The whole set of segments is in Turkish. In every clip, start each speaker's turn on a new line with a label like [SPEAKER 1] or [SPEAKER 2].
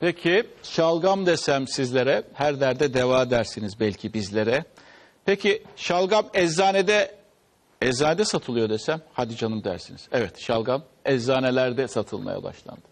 [SPEAKER 1] Peki şalgam desem sizlere her derde deva dersiniz belki bizlere. Peki şalgam eczanede satılıyor desem hadi canım dersiniz. Evet, şalgam eczanelerde satılmaya başlandı.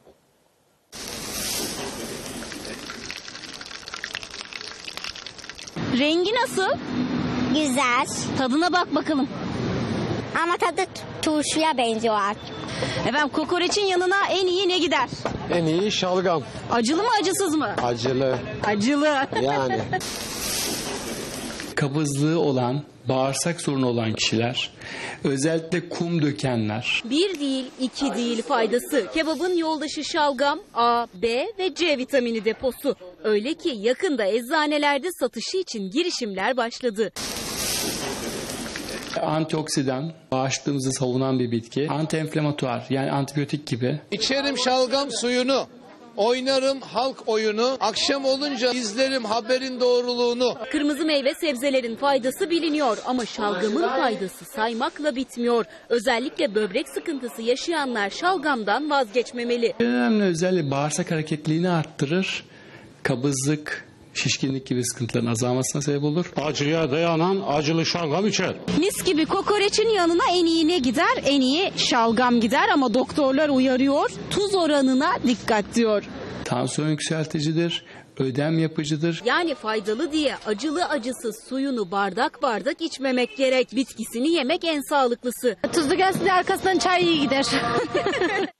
[SPEAKER 2] Rengi nasıl?
[SPEAKER 3] Güzel.
[SPEAKER 2] Tadına bak bakalım.
[SPEAKER 3] Ama tadı turşuya benziyor artık.
[SPEAKER 2] Efendim kokoreçin yanına en iyi ne gider?
[SPEAKER 4] En iyi şalgam.
[SPEAKER 2] Acılı mı acısız mı?
[SPEAKER 4] Acılı
[SPEAKER 2] Acılı.
[SPEAKER 4] yani.
[SPEAKER 5] Kabızlığı olan, bağırsak sorunu olan kişiler, özellikle kum dökenler,
[SPEAKER 6] Bir değil, iki değil faydası. Kebabın yoldaşı şalgam, A, B ve C vitamini deposu. Öyle ki yakında eczanelerde satışı için girişimler başladı.
[SPEAKER 5] antioksidan, bağışıklığımızı savunan bir bitki, antienflamatuar yani antibiyotik gibi.
[SPEAKER 7] İçerim şalgam suyunu, oynarım halk oyunu, akşam olunca izlerim haberin doğruluğunu.
[SPEAKER 6] Kırmızı meyve sebzelerin faydası biliniyor ama şalgamın faydası saymakla bitmiyor. Özellikle böbrek sıkıntısı yaşayanlar şalgamdan vazgeçmemeli.
[SPEAKER 5] En önemli özelliği bağırsak hareketliliğini arttırır, kabızlık, şişkinlik gibi sıkıntıların azalmasına sebep olur.
[SPEAKER 8] Acıya dayanan acılı şalgam içer.
[SPEAKER 2] Mis gibi kokoreçin yanına en iyi ne gider? En iyi şalgam gider ama doktorlar uyarıyor. Tuz oranına dikkat diyor.
[SPEAKER 5] Tansiyon yükselticidir, ödem yapıcıdır.
[SPEAKER 6] Yani faydalı diye acılı acısız suyunu bardak bardak içmemek gerek. Bitkisini yemek en sağlıklısı.
[SPEAKER 2] Tuzlu gelse de arkasından çay iyi gider.